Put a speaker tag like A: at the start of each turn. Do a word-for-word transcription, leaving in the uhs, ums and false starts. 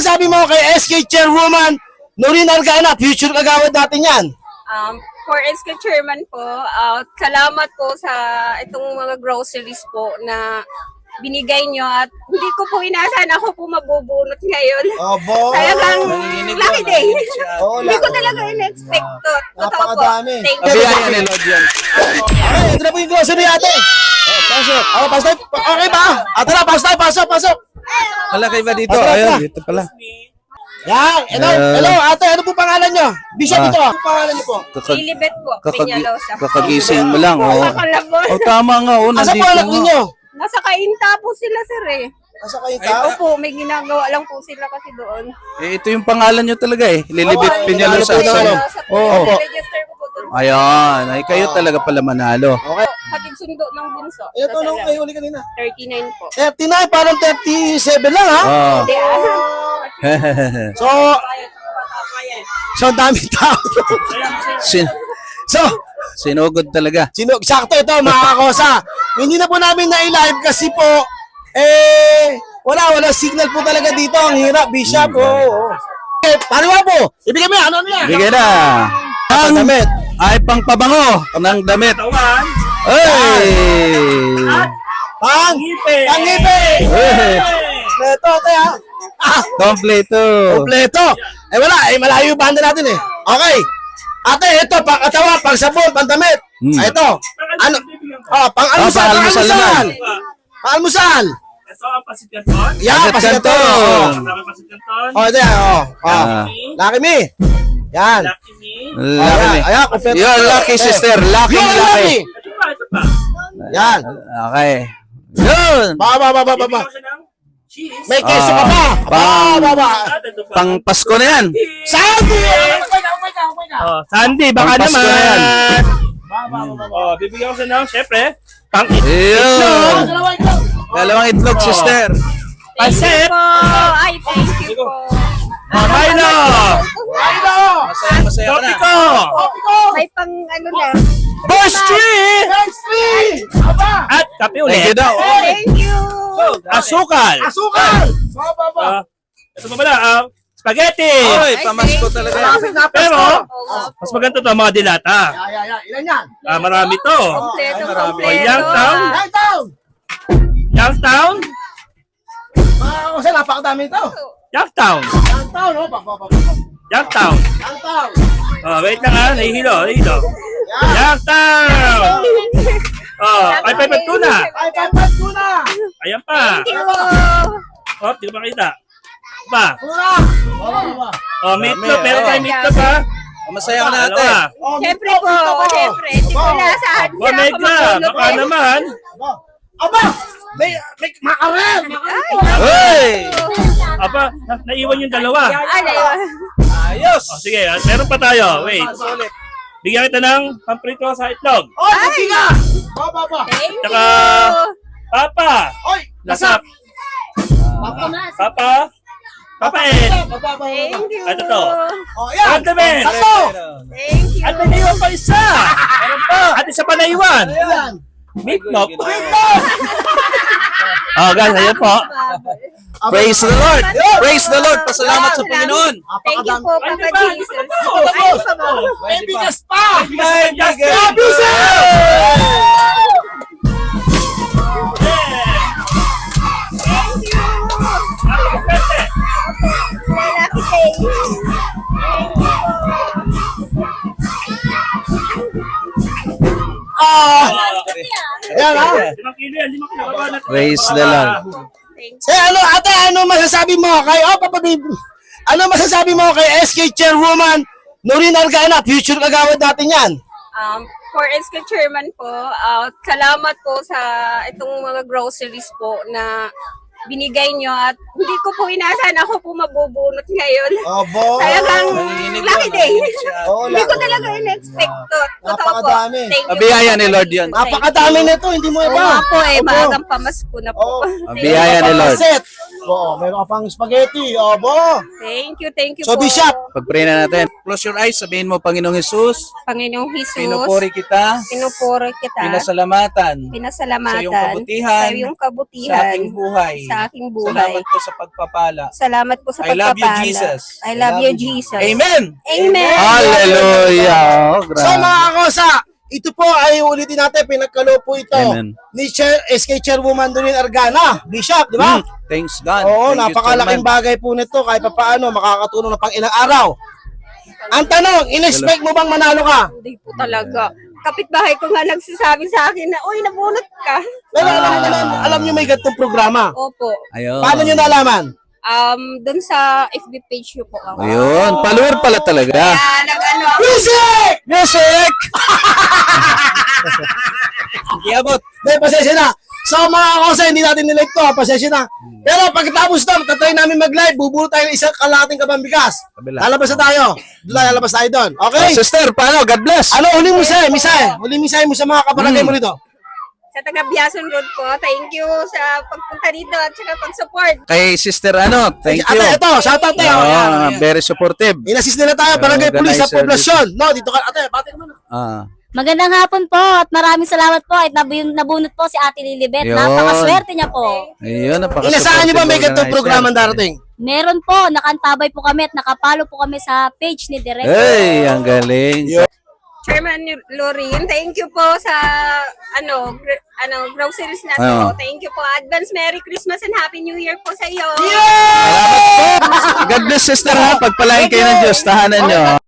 A: masasabi mo kay S K Chairwoman Noreen Argana, future kagawad natin yan?
B: Um, for S K Chairman po, uh, salamat po sa itong mga groceries po na binigay nyo at hindi ko po inaasahan ako po mabubunot ngayon.
A: Obo.
B: Talagang lucky day.
A: Oo,
B: Hindi ko talaga in-expect to. Totoo po.
A: Napakadami.
B: Thank you.
C: Kabiyayan ni Lord yan.
A: Okay, ito na po yung grocery natin.
C: Oh, pasok.
A: Oh, pasok tayo. Okay ba? Ito na, pasok tayo, pasok, pasok.
C: Wala kayo ba dito?
A: Tara, tara.
C: Ayun, dito pala.
A: Yan, hello,
C: Uh,
A: hello, ate, ano po pangalan nyo? Bishop
C: Ah.
A: ito, ano po pangalan nyo po?
C: Kakag
B: Lilibet po.
C: kakagi
B: Peñalosa.
C: kakagising mo lang. Oh.
B: Kakalabon.
C: Oh, tama nga. Oh,
A: Asa
C: nandito
A: po anak
C: nga.
A: ninyo?
B: Nasa kainta po sila, sir eh.
A: Asa kayo tao?
B: Opo, may ginagawa lang po sila kasi doon.
C: Eh, ito yung pangalan nyo talaga eh. Lilibit
A: Oh,
C: Peñalosa.
A: Peñalosa.
C: Sa-
B: Peñalosa po.
C: Oo.
B: Register ko po doon.
C: Ayan. Ay, kayo talaga pala manalo.
A: Okay.
B: Hatid sundo ng bunso.
A: Ito,
B: Sa
A: nung
B: Salam.
A: kayo uli kanina.
B: thirty-nine po.
A: thirty-nine, parang thirty-seven lang ha?
C: Oh.
B: Hindi ah.
A: So, so ang dami tao.
C: Sin
A: So,
C: sinugod talaga.
A: sino, sakto ito mga kakosa. Hindi na po namin na-live kasi po, eh, wala, wala signal po talaga dito. Ang hirap, Bishop. Oo. Oh, oh. Eh, pariwa po. Ibigay mo yan. Ano na yan?
C: Bigay na. Ang
A: damit.
C: ay pangpabango ng damit. Ay!
A: Pang! Pangipi!
C: Ay!
A: Ito, ito ha. Ah,
C: Kompleto.
A: kompleto. Eh wala, eh malayo yung banda natin eh. Okay. Ate, ito, pang katawa, pang sabon, pang damit.
C: Hmm.
A: Ah, ito. Ano? Oh, pang
C: Ah,
A: almusal, pang
C: pang-almusal
A: almusal.
C: naman.
A: Pang almusal.
D: Ito ang pasit canton.
A: Yan,
C: Pasit
A: pasikato.
C: Canton.
A: Oh,
D: Tama pasit canton.
A: oh ito yan. Oh, oh.
C: Ah.
A: Lucky me. Yan.
D: Lucky me.
C: Lucky me.
A: Ayan, kompleto.
C: You're lucky, sister. Lucky,
A: You're
C: lucky.
A: lucky.
D: Ito pa, ito pa.
A: Yan.
C: Okay. Yun.
A: Ba, ba, ba, ba, ba, ba.
D: Bibigyan ko siya ng cheese.
A: May keso
C: Ah,
A: ka pa. Ba,
C: pang-
A: ba, ba.
D: At ito pa.
C: Pang Pasko na yan.
A: Sandy!
D: Oh, Sandy, baka
C: Pang Pasko na yan.
D: naman. Oh, bibigyan ko siya ng, syempre, pang
C: Yun. Dalawang itlog, sister.
B: Thank you
D: Pasit.
B: po. Ay, thank you po.
D: Oh, Milo.
A: Ayno!
C: Masaya, masaya ka na.
D: Topiko.
B: May pang ano na.
D: Boss Tree.
A: Thanks, Tree! Aba!
D: At kape
C: Thank you
D: ulit.
C: daw.
B: Thank you.
D: Asukal.
A: Asukal! Ba, ba, ba.
D: Ah, ito pa pala, ah, spaghetti.
C: Oy, pamasko talaga yan.
A: Malapit na
D: Pero,
A: Pasko.
B: Oo nga po.
D: mas maganda to mga dilata.
A: Ya, ya, ya. Ilan yan?
D: Ah, marami to.
B: Kompleto,
C: Ay, marami.
B: kompleto.
D: Youngstown.
A: Nine town!
D: Youngstown.
A: Mga kasi napakadami ito.
D: Youngstown.
A: Nine town, oh. Pa, pa, pa, pa.
D: Youngstown.
A: Nine town.
D: Oh, wait lang ah, nahihilo, nahihilo.
A: Yan.
D: Youngstown. Oh, ay pepet tuna.
A: Ay, kapat tuna!
D: Ayan pa.
B: Thank you po.
D: Oh, di ko makita. Pa.
A: Tuna! Ba, ba, ba.
D: Oh, meatloaf. Meron
C: oh.
D: tayong meatloaf ha.
C: Masaya ka na ate.
D: Dalawa.
A: Oh,
B: Siyempre
A: meatloaf,
B: po.
A: meatloaf, oh.
B: Siyempre. Hindi ko naasahan
D: Oh,
B: na ako
D: mega.
B: mabunot
D: Baka
B: eh.
D: naman.
A: Aba! Aba! May, may makarel!
B: Ay.
C: Hey!
D: Aba, na- naiwan yung dalawa.
B: Ay, naiwan.
C: Ayos.
D: Oh, sige, ah, meron pa tayo. Wait. Bigyan kita ng pamprito sa itlog.
A: Oy, hindi ka! Ba, ba, ba.
B: Thank
D: Tsaka,
B: you.
D: Papa.
A: Oy,
D: Nasa,
A: nasap! Papa!
D: Papa. Papa eh.
A: Ba, ba, ba, ba.
B: Thank you.
D: Ito to.
A: Oh, yan!
D: Condiment.
A: Tatlo!
B: Thank you.
D: At may naiwan pa isa. Meron pa. At isa pa naiwan.
A: Yan!
D: Meatloaf.
A: Meatloaf!
D: Oh, guys, ayan po.
C: Praise the Lord. Praise the Lord. Pasalamat sa Panginoon.
B: Thank you po,
D: Ay,
B: Papa
D: di ba? Di
B: Jesus.
D: ba to?
B: Ay, pa ba?
A: May bigas pa!
C: May
D: Just
C: bigay.
D: love you, sir.
B: Thank you. Lucky day. Thank you
A: Ah! Yan, ha?
D: Limang kilo yan, limang kilo. Baba natin.
C: Praise the Lord.
B: Thank
A: Eh, ano, ate, ano masasabi mo kay, oh, Papa Babe, ano masasabi mo kay S K Chairwoman Noreen Argana, future kagawad natin yan?
B: Um, for S K Chairman po, uh, salamat po sa itong mga groceries po na binigay nyo at hindi ko po inaasahan ako po mabubunot ngayon.
A: Obo.
B: Talagang lucky day.
A: Oo,
B: Hindi ko
A: lang.
B: talaga in-expect to. Totoo po.
A: Napakadami.
B: Thank you.
C: Abiyaya ni Lord yan.
A: Napakadami nito, hindi mo
B: Oo
A: iba.
B: nga po eh,
A: Opo.
B: maagang pamasko na po.
A: Oo.
B: Thank
C: Abiyaya ni Lord.
A: Paset. Oo, meron ka pang spaghetti. Obo.
B: Thank you, thank you
A: So,
B: po.
A: Bishop.
C: Pag-pray na natin. Close your eyes. Sabihin mo, Panginoong Jesus,
B: Panginoong Jesus,
C: pinupuri kita,
B: pinupuri kita,
C: pinasalamatan
B: pinasalamatan
C: sa iyong kabutihan,
B: sa iyong
C: sa
B: kabutihan,
C: aking buhay.
B: sa aking buhay.
C: Salamat po sa pagpapala.
B: Salamat po sa
C: I love you,
B: pagpapala.
C: Jesus.
B: I love you, Jesus.
C: Amen!
B: Amen.
C: Hallelujah! Oh,
A: So mga kosa, ito po ay ulitin natin, pinagkalo po ito
C: Amen.
A: ni Chair, S K Chairwoman Dolin Argana, Bishop, di ba?
C: Mm, thanks God.
A: Oo,
C: Thank you,
A: napakalaking
C: Chairman.
A: bagay po nito kahit pa paano makakatulong na pang ilang araw. Ang tanong, in-expect mo bang manalo ka?
B: Hindi po talaga. Kapitbahay ko nga nagsasabi sa akin na, uy, nabunot ka.
A: Pero alam, alam, alam nyo may ganitong programa.
B: Opo.
C: Ayun.
A: Paano nyo nalaman?
B: Um, dun sa F B page niyo po ako.
C: Ayun. Follower pala talaga.
B: Kaya nag-ano ako.
A: Music!
C: Music! Iabot.
A: May pasensya na. So mga kosa, hindi natin nilive to, pasensya na. Pero pagkatapos na, tatry namin mag-live, bubulo tayo ng isang kalating kabambigas.
C: Kabila.
A: Lalabas na tayo. Doon, lalabas tayo doon. Okay?
C: Oh, sister, paano? God bless.
A: Ano, huling misay, misay. Huling misay mo sa mga kabarangay mo rito.
B: Sa taga Biason Road po, thank you sa pagpunta dito at saka pag-support.
C: Kay sister, ano? Thank you.
A: Ate, ito, shout out tayo.
C: Ah, very supportive.
A: Inassist nila tayo, barangay
C: Oh,
A: pulis sa
C: organizer
A: poblasyon. No, dito ka, ate, bati ka muna.
C: Ah.
E: Magandang hapon po at maraming salamat po at nabun- nabunot po si Ate Lilibet.
C: Yun.
E: Napakaswerte niya po.
C: Ayun, napaka
A: Inasahan niyo ba may ganitong programa darating?
E: Meron po, nakantabay po kami at nakapalo po kami sa page ni Direk.
C: Hey, ang galing.
B: Chairman Lorin, thank you po sa ano gr- ano groceries natin
C: Oo.
B: po. Thank you po. Advance Merry Christmas and Happy New Year po sa iyo.
C: God bless, sister, ha? Pagpalain kayo ng Diyos. Tahanan nyo.